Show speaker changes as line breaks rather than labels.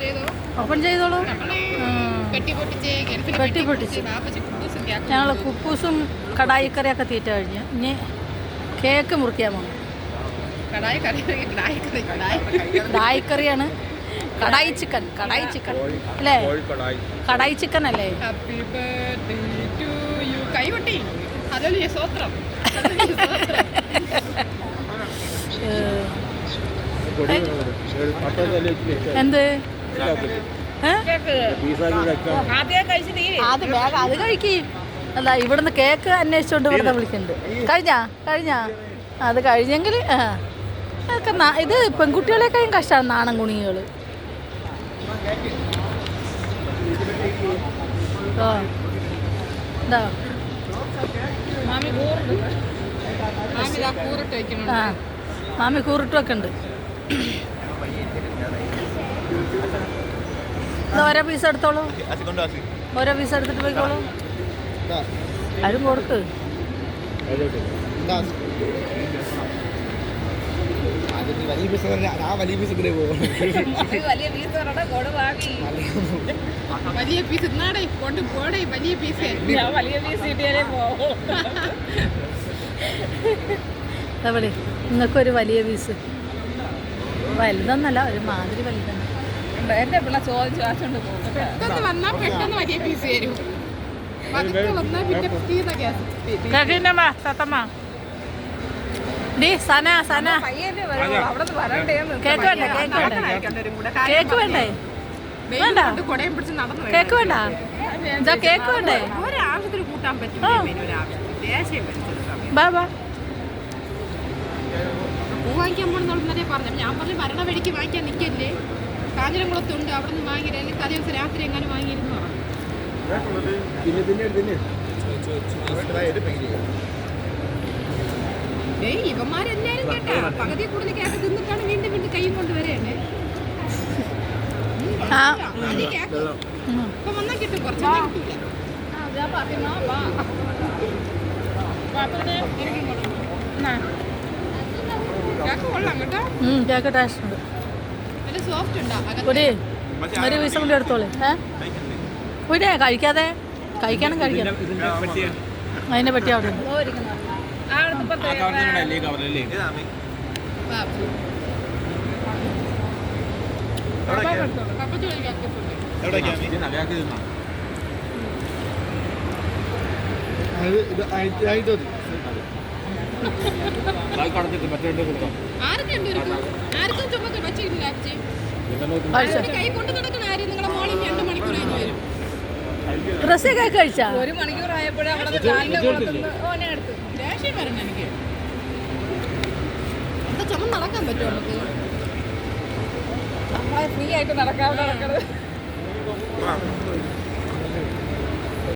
Open ചെയ്തോളൂ. പെട്ടി പൊട്ടിച്ച് ഞങ്ങൾ കുക്കൂസും കടായിക്കറിയൊക്കെ തീറ്റ കഴിഞ്ഞ് ഇനി കേക്ക് മുറിക്കാൻ പോകും. കടായിക്കറിയാണ്. കടായി ചിക്കൻ അല്ലേ? കടായി ചിക്കൻ അല്ലേ? എന്ത് അത് കഴിക്കും. അല്ല, ഇവിടുന്ന് കേക്ക് അന്വേഷിച്ചോണ്ട് ഇവിടുന്ന് വിളിക്കുന്നുണ്ട്. കഴിഞ്ഞാ അത് കഴിഞ്ഞെങ്കിൽ അതൊക്കെ ഇത് പെൺകുട്ടികളെക്കാളും കഷ്ടമാണ് നാണം കുണികൾ. മാമി കൂറിട്ട് വെക്കുന്നുണ്ട്. ഓരോ പീസ് എടുത്തോളൂ. ഓരോ പീസ് എടുത്തിട്ട് പോയിക്കോളൂ. ആരും കൊടുക്ക്. വലിയ പീസ് എവിടെ നിങ്ങൾക്കൊരു വലിയ പീസ് വലുതൊന്നല്ല, ഒരു മാതിരി വലുതാണ്. എന്റെ പിള്ള ചോദിച്ചോണ്ട് കേക്ക് വേണ്ടേ? കേക്ക് വേണ്ടേ? വേണ്ട കേക്ക് വേണ്ട. ഇതാ കേക്ക് വേണ്ടേ? ബാ
പൂ വാങ്ങിക്കാൻ പോണെന്നുള്ളതേ പറഞ്ഞു. ഞാൻ പറഞ്ഞു മരണ വഴിക്ക് വാങ്ങിക്കാൻ നിൽക്കല്ലേ, കാഞ്ഞിരംകുളത്തുണ്ട്, അവിടെ നിന്ന് വാങ്ങിയില്ല, അല്ലെങ്കിൽ തലേ ദിവസം രാത്രി എങ്ങനെ വാങ്ങിയിരുന്നു പറഞ്ഞു. ഇവന്മാരെല്ലാരും കേട്ടാ പകുതി കൂടുതൽ കേക്ക് തിന്നിട്ടാണ് വീണ്ടും കൈയും കൊണ്ട് വരേണ്ടേ. ഇപ്പൊ വന്നാൽ കിട്ടും, കുറച്ചൊന്നും കിട്ടില്ല.
കേക്ക് ടേസ്റ്റ് ഉണ്ട്.
സോഫ്റ്റ് ഉണ്ടോ?
ഒരു പീസ് കൂടി എടുത്തോളൂ. പിന്നെ കഴിക്കാതെ കഴിക്കണം. അതിനെ പറ്റി അവിടെ ഉണ്ട്. ഡ്രസ്സൊക്കെ കഴിച്ചാ
1 മണിക്കൂറായപ്പോഴേ ദേഷ്യം വരണം എനിക്ക്. എന്താ ചുമ നടക്കാൻ പറ്റുമോ നമുക്ക്? നമ്മളെ ഫ്രീ ആയിട്ട് നടക്കാതെ നടക്കരുത്.